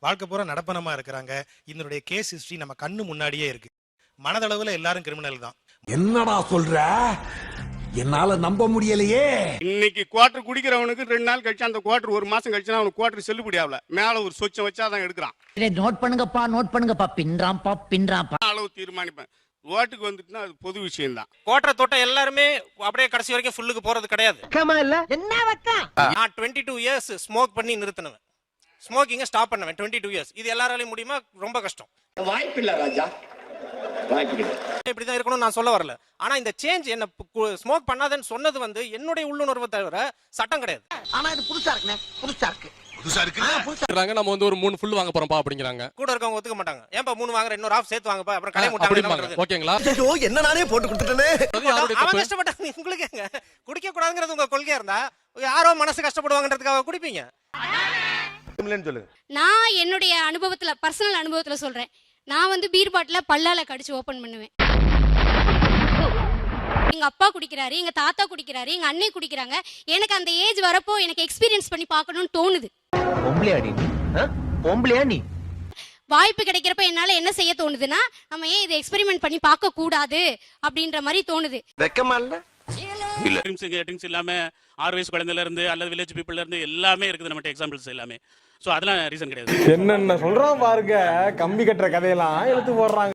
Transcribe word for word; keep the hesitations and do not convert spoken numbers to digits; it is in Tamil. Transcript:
வாழ்க்கை பூரா நடப்பனமா இருக்கிறாங்க. இதனுடைய கேஸ் ஹிஸ்டரி நம்ம கண்ணு முன்னாடியே இருக்கு. மனதளவுல எல்லாரும் கிரிமினல் தான். என்னடா சொல்ற? என்னால நம்ப முடியலையே. இன்னைக்கு குவார்டர் குடிக்கிறவனுக்கு ரெண்டு நாள் கழிச்சு அந்த குவார்டர் ஒரு மாசம் கழிச்சுனா அவனுக்கு குவார்டர் செல்லுபடி ஆகல. மேல ஒரு சொச்சம் வச்சாதான் எடுக்கிறான். நோட் பண்ணுங்கப்பா நோட் பண்ணுங்கப்பா பின்றாம்பா பின்றாம்பா அளவு தீர்மானிப்பேன். ஓட்டுக்கு வந்துட்டுனா அது பொது விஷயம் தான். குவார்டரை தொட்ட எல்லாருமே அப்படியே கடைசி வரைக்கும் ஃபுல்லுக்கு போறது கிடையாது. என்ன வக்கா? நான் இருபத்தி ரெண்டு இயர்ஸ் ஸ்மோக் பண்ணி நிறுத்தினவன். ஸ்மோக்கிங்கை ஸ்டாப் பண்ணவன் இருபத்தி ரெண்டு இயர்ஸ். இது எல்லாராலையும் முடியுமா? ரொம்ப கஷ்டம். வாய்ப்பு இல்ல ராஜா, வாய்ப்பு இல்ல. இப்படிதான் இருக்கணும் நான் சொல்ல வரல. ஆனா இந்த சேஞ்ச் என்ன ஸ்மோக் பண்ணாதன்னு சொன்னது வந்து என்னுடைய உள்ளுணர்வை தவிர சட்டம் கிடையாது. ஆனா இது புதுசா இருக்குண்ணே, புதுசா இருக்கு. புதுசா இருக்கு. நம்ம வந்து ஒரு மூணு ஃபுல் வாங்க போறோம்ப்பா அப்படிங்கறாங்க. கூட இருக்கவங்க ஒத்துக்க மாட்டாங்க. ஏன்பா மூணு வாங்குற, இன்னொரு ஆஃப் சேர்த்து வாங்கப்பா, அப்புறம் கடை முட்டாங்க. ஓகேங்களா? ஐயோ என்ன நானே போட்டு கொடுத்துட்டேனே. அவன் கஷ்டப்பட்டாங்க. உங்களுக்கு குடிக்க கூடாதுங்கிறது உங்க கொள்கையா இருந்தா யாரோ மனசு கஷ்டப்படுவாங்கன்றதுக்காக குடிப்பீங்க. நான் என்னுடைய அனுபவத்துல, பர்சனல் அனுபவத்துல சொல்றேன். நான் வந்து பீர் பாட்டில பல்லால கடிச்சு ஓபன் பண்ணுவேன். எங்க அப்பா குடிக்கிறாரு, எங்க தாத்தா குடிக்கிறாரு, எங்க அண்ணே குடிக்கிறாங்க. எனக்கு அந்த ஏஜ் வரப்போ எனக்கு எக்ஸ்பீரியன்ஸ் பண்ணி பார்க்கணும்னு தோணுது. வாய்ப்பு கிடைக்கிறப்ப என்னால என்ன செய்ய தோணுதுன்னா, நம்ம ஏன் இதை எக்ஸ்பெரிமெண்ட் பண்ணி பார்க்க கூடாது அப்படின்ற மாதிரி தோணுது. வெக்கமா இல்ல? இல்ல ட்ரிங்க்ஸ் இல்லாம ஆறு வயசு குழந்தையில இருந்து அல்லது வில்லேஜ் பீப்புள்ல இருந்து எல்லாமே இருக்குது நம்ம எக்ஸாம்பிள்ஸ் எல்லாமே. சோ அதெல்லாம் ரீசன் கிடையாது. என்னென்ன சொல்றான் பாருங்க, கம்பி கட்டுற கதையெல்லாம் எடுத்து போடுறாங்க.